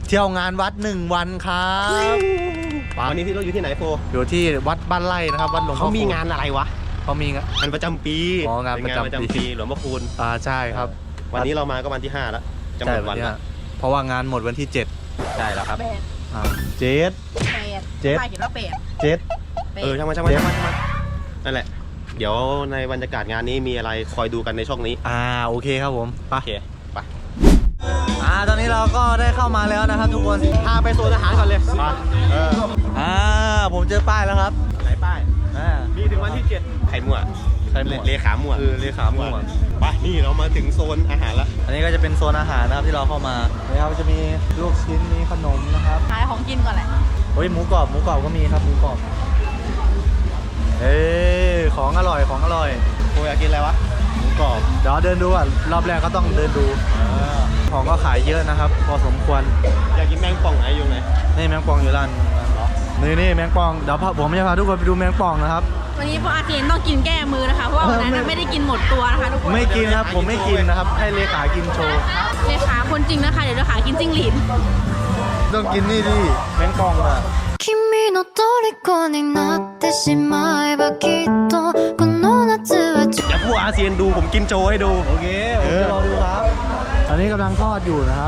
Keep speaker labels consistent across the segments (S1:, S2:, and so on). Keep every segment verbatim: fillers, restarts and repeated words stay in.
S1: เที่ยวงานวัดหนึ่งวันครับ
S2: วันนี้ที่เราอยู่ที่ไหนโฟ
S1: อยู่ที่วัดบ้านไร่นะครับวัดหลวงพ่อ
S2: เขามีงานอะไรวะ
S1: เขามีงาน
S2: งานประจำปี
S1: อ๋องานประจำปี
S2: หลวงพ่อคูณ
S1: อ่าใช่ครับ
S2: วันนี้เรามาก็วันที่ห้าแล้วจะหมดวันแล้ว
S1: เพราะว่างานหมดวันที่เจ็ด
S2: ใช่แล้วครับ
S1: เจ็ด
S3: เจ็ดเจ็ดแปด
S1: เจ็ด
S2: เออช่างมันช่างมันช่างมันนั่นแหละเดี๋ยวในบรรยากาศงานนี้มีอะไรคอยดูกันในช่องนี้
S1: อ่าโอเคครับผมไป
S2: โอเคไป
S1: อ่าตอนนี้เราก็ได้เข้ามาแล้วนะครับทุกคน
S2: พาไปโซนอาหารก่อนเลยไปเออ
S1: อ่าผมเจอป้ายแล้วครับ
S2: ไหนป้าย
S1: อ่า
S2: มีถึงวันที่เจ็ดไข่มั่ว
S1: ไข่มั่ว
S2: เลขามั่ว
S1: เออเลขามั่ว
S2: ไปนี่เรามาถึงโซนอาหารแล้ว
S1: อันนี้ก็จะเป็นโซนอาหารนะครับที่เราเข้ามานะครับจะมีลูกชิ้นมีขนมนะครับ
S3: ขายของกินก่อนแหละ
S1: โอ้ยหมูกรอบหมูกรอบก็มีครับหมูกรอบเอ้ของอร่อยของอร่อย
S2: โอ้ยอยากกินอะไรวะ
S1: หมูกรอบเดี๋ยวเดินดูอ่ะรอบแรกก็ต้องเดินดูของก็ขายเยอะนะครับพอสมควร
S2: อยากกินแมงป่องไหนอยู่ไหน
S1: นี่แมงป่องอยู่ร้านนี่นี่แมงป่องเดี๋ยวผมจะพาทุกคนไปดูแมงป่องนะครับ
S3: วันนี้พวกอาเซียนต้องกินแก้มือนะคะเพราะว่าวันนั้นไม่ได้กินหมดตัวนะคะทุกคน
S1: ไม่กินครับผมไม่กินนะครับให้เลขากินโชว์
S3: เลขาคนจริงนะคะเดี๋ยวเลขากินจิ้งหรีด
S1: ต้องกินนี่ดิแมงป่องอ่ะ
S4: 君の虜になってしまえばきっとこの夏は
S2: เดี๋ยวผู้อาเซียนดูผมกินโชว์ให้ดู
S1: โอเคผมจะรอดูครับตอนนี้กำลังทอดอยู่นะครับ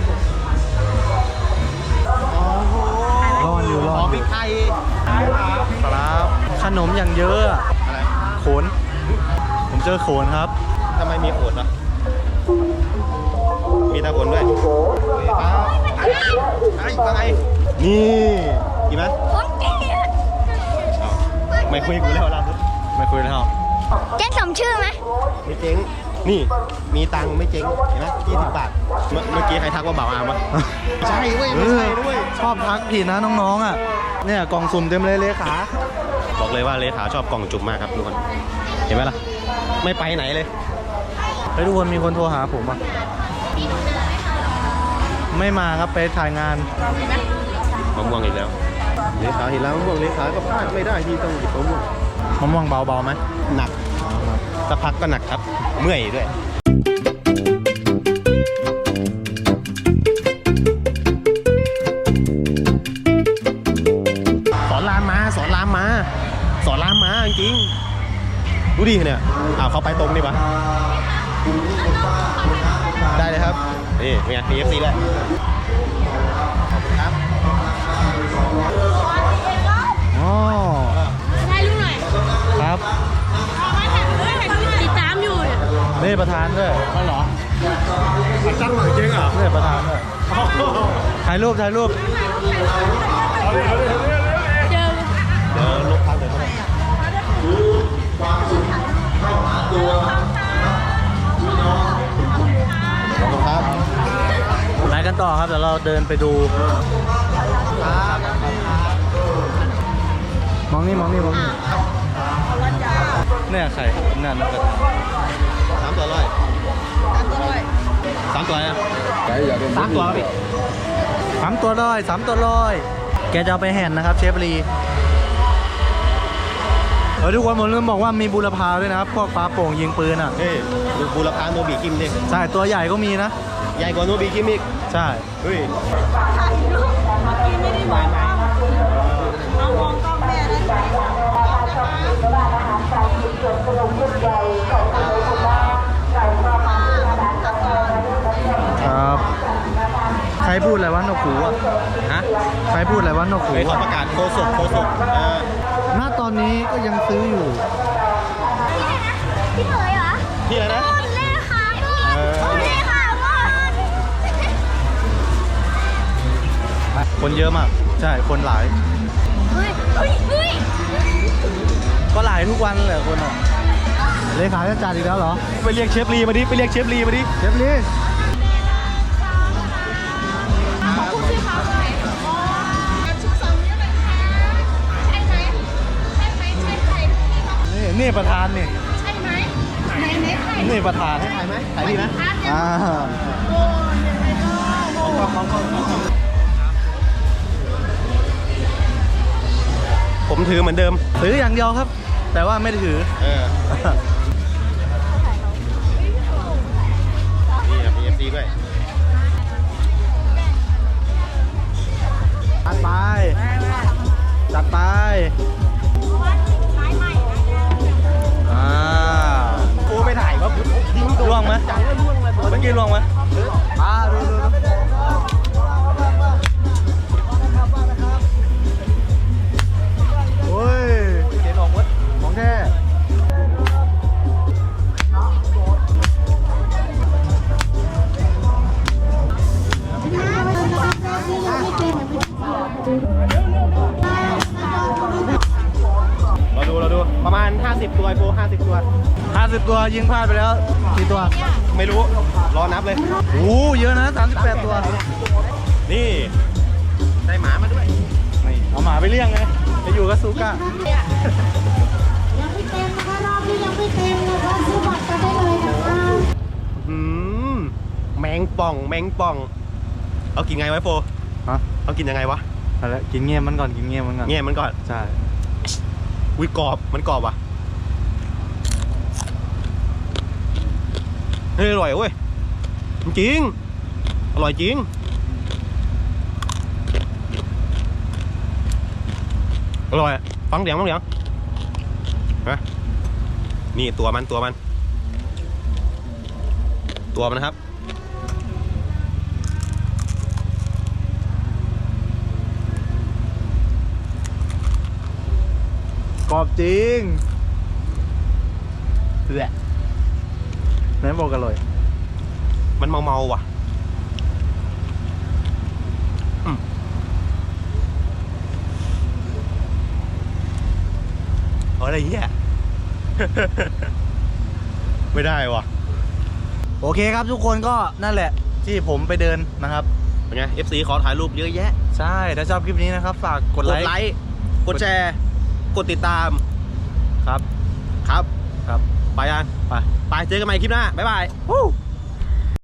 S1: รออยู่รอ
S2: พริกไทย
S1: ครับขนมอย่างเยอะ
S2: อะไร
S1: โขนผมเจอโขนครับ
S2: ทำไมมีโขนอ่ะมีตาโขนด้วยไอ้ฟังไง
S1: นี่
S2: กินไหมไม่คุยกูแล้วล่ะ
S1: ไม่คุยแล้ว
S4: เจ๊สมชื่อไหม
S2: ไม่เจ๊งนี่มีตังค์ไม่เจ๊งเห็นไหมยี่สิบบาทเมื่อกี้ใครทักว่าเบาอามวะใช่เว้ยไม่ใช่ด้วย
S1: ชอบทักผิดนะน้องๆอ่ะเนี่ยกล่องสุ่มเต็มเลยเลขา
S2: บอกเลยว่าเลขาชอบกล่องจุ่มมากครับทุกคนเห็นไหมล่ะไม่ไปไหนเลย
S1: เฮ้ยทุกคนมีคนโทรหาผมอ่ะไม่มาครับไปถ่ายงาน
S2: มะม่วงอีกแล้วเลขาเห็นแล้วมะม่วงเลขาก็พลาดไม่ได้ที่ต้องหยิบมะม่วง
S1: มะม่วงเบาๆไหม
S2: หนักสักพักก็หนักครับเมื่อยด้วยสอนรามมาสอนรามมาสอนรามมาจริงดูดิเนี่ยอ้าวเขาไปตรงดิปะได้เลยครับนี่เป็นไง พี เอฟ ซี ด้วยขอบคุณครับ
S1: อ๋อ
S3: ถ่ายรูปหน่อย
S1: ครับ
S3: ติดตามอยู่เนี่ย
S1: นี่ประธานด้วย
S2: อ๋อเหรอตั้งหลังจริงเหรอ
S1: นี่ประธานด้วยถ่ายรูปถ่ายรูป
S3: เจอ
S2: เดี๋ยวลบทางเดี๋ยวเขาขอบคุณครับ
S1: ไปกันต่อครับเดี๋ยวเราเดินไปดูมองนี่มองนี่มองนี่เนี่ยใครนั่นนั่น
S2: สามตัวร้อยสามตัวนะสามตัวพี่
S1: สามตัวร้อยสามตัวร้อยแกจะเอาไปแห่นนะครับเชฟลีเออทุกคนผมลืมบอกว่ามีบูรพาด้วยนะครับพวกปลาโป่งยิงปืนอ่ะ
S2: เฮ้ยบูรพาโนบิกิมดิ
S1: ใช่ตัวใหญ่ก็มีนะ
S2: ใหญ่กว่าโนบิกิมอีก
S1: ใช่
S2: เฮ้ย
S3: เอามองกล้องแม่ได้ไหม
S1: ครับใครพูดอะไรวะนกหูอ่ะ
S2: ฮะ
S1: ใครพูดอะไรวะนกหู
S2: เขาประกาศโคศกโคศก
S1: ณตอนนี้ก็ยังซื้ออยู่
S4: พี่เหยเหรอ
S2: พี่อะไรนะ
S4: เล่ค่ะก่อนเล่ค่ะก่อน
S1: คนเยอะมากใช่คนหลาย
S4: เฮ้ยเฮ้ยเฮ้ย
S1: ก็หลายทุกวันเลยคนอ่ะเลขาจะจัดอีกแล้วเหรอ
S2: ไปเรียกเชฟลีมาดิไปเรียกเชฟลีมาดิ
S1: เชฟลีนี่นี่ประธานนี่
S4: ใช่ไหมไหนไหนใคร
S1: นี่ประธาน
S2: ถ่ายไหมถ่ายดีไหม
S1: อ่า
S2: ผมถือเหมือนเดิม
S1: ถืออย่างเดียวครับแต่ว่าไม่ได้ถือ
S2: เออนี่ พี เอฟ ซี ด้วยเราดูเราดูประมาณ ห้าสิบ ตัวไอโฟห้าสิบ ตัว
S1: ห้าสิบตัวยิงพลาดไปแล้วกี่ตัว
S2: ไม่รู้ รอนับเลย
S1: โอ้เยอะนะสามสิบแปดตัว
S2: นี่ ได้หมามาด้วย
S1: นี่เอาหมาไปเลี้ยงไงไปอยู่กับซูก้า
S5: ยังไม่เต็มนะคะรอบนี้ยังไม่เต็มนะคะซื้อบัตรกันได้เลยนะคะ
S2: อืมแมงป่อง แมงป่อง เอากินไงไวะไอ้โฟ
S1: ฮะ
S2: เอากินยังไงวะ
S1: อะไรกินเงี้ยมันก่อนกินเงี้ยมันก่อน
S2: เงี้ยมันก่อน
S1: ใช่
S2: อุ้ยกรอบ มันกรอบว่ะ เฮ้ยอร่อยเว้ย จริง อร่อยจริง อร่อย ฟังเสียงฟังเสียงนะนี่ตัวมันตัวมัน ตัวมันนะครับ
S1: กรอบจริง
S2: แหละ
S1: ไหนบอกอร่อย
S2: มันเมาเมาๆว่ะอืมเอาอะไรเงี้ย ไม่ได้ว่ะ
S1: โอเคครับทุกคนก็นั่นแหละที่ผมไปเดินนะครับ
S2: เป็นไง เอฟ ซี ขอถ่ายรูปเยอะแยะ
S1: ใช่ถ้าชอบคลิปนี้นะครับฝากกด
S2: ก
S1: ไล
S2: ด
S1: ค์
S2: ไลค์ กดแชร์ กดติดตาม
S1: ครับ
S2: ครับ
S1: ครับ
S2: ไปยัง
S1: ไป
S2: ไป เจอกันใหม่คลิปหน้า บ๊ายบาย
S1: Woo